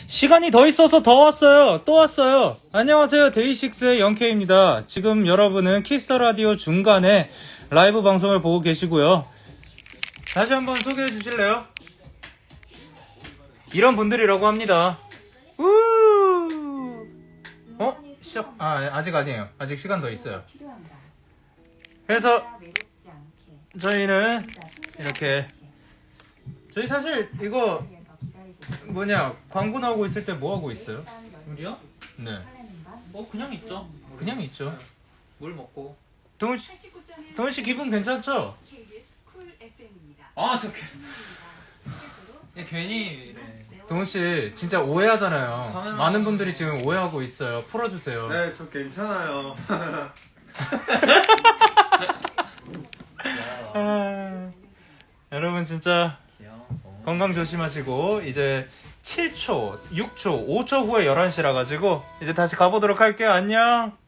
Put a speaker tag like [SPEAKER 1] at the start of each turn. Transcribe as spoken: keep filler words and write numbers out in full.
[SPEAKER 1] 시간이 더 있어서 더 왔어요. 또 왔어요. 안녕하세요. 데이식스의 영케이입니다. 지금 여러분은 키스터라디오 중간에 라이브 방송을 보고 계시고요. 다시 한번 소개해 주실래요? 이런 분들이라고 합니다. 우! 어? 시작? 아, 아직 아니에요. 아직 시간 더 있어요. 그래서 저희는 이렇게 저희 사실 이거 뭐냐 광고 나오고 있을 때 뭐 하고 있어요?
[SPEAKER 2] 우리요?
[SPEAKER 1] 네,
[SPEAKER 2] 뭐 그냥 있죠.
[SPEAKER 1] 그냥 있죠.
[SPEAKER 2] 물 먹고.
[SPEAKER 1] 동훈 씨, 동훈 씨 기분 괜찮죠?
[SPEAKER 2] 아, 저 예, 괜히 이래.
[SPEAKER 1] 동훈 씨 진짜 오해하잖아요.
[SPEAKER 2] 카메라-
[SPEAKER 1] 많은 분들이 지금 오해하고 있어요. 풀어주세요.
[SPEAKER 3] 네, 저 괜찮아요.
[SPEAKER 1] 아, 여러분 진짜
[SPEAKER 2] 귀여워.
[SPEAKER 1] 건강 조심하시고 이제 칠 초, 육 초, 오 초 후에 열한 시라 가지고 이제 다시 가보도록 할게요. 안녕.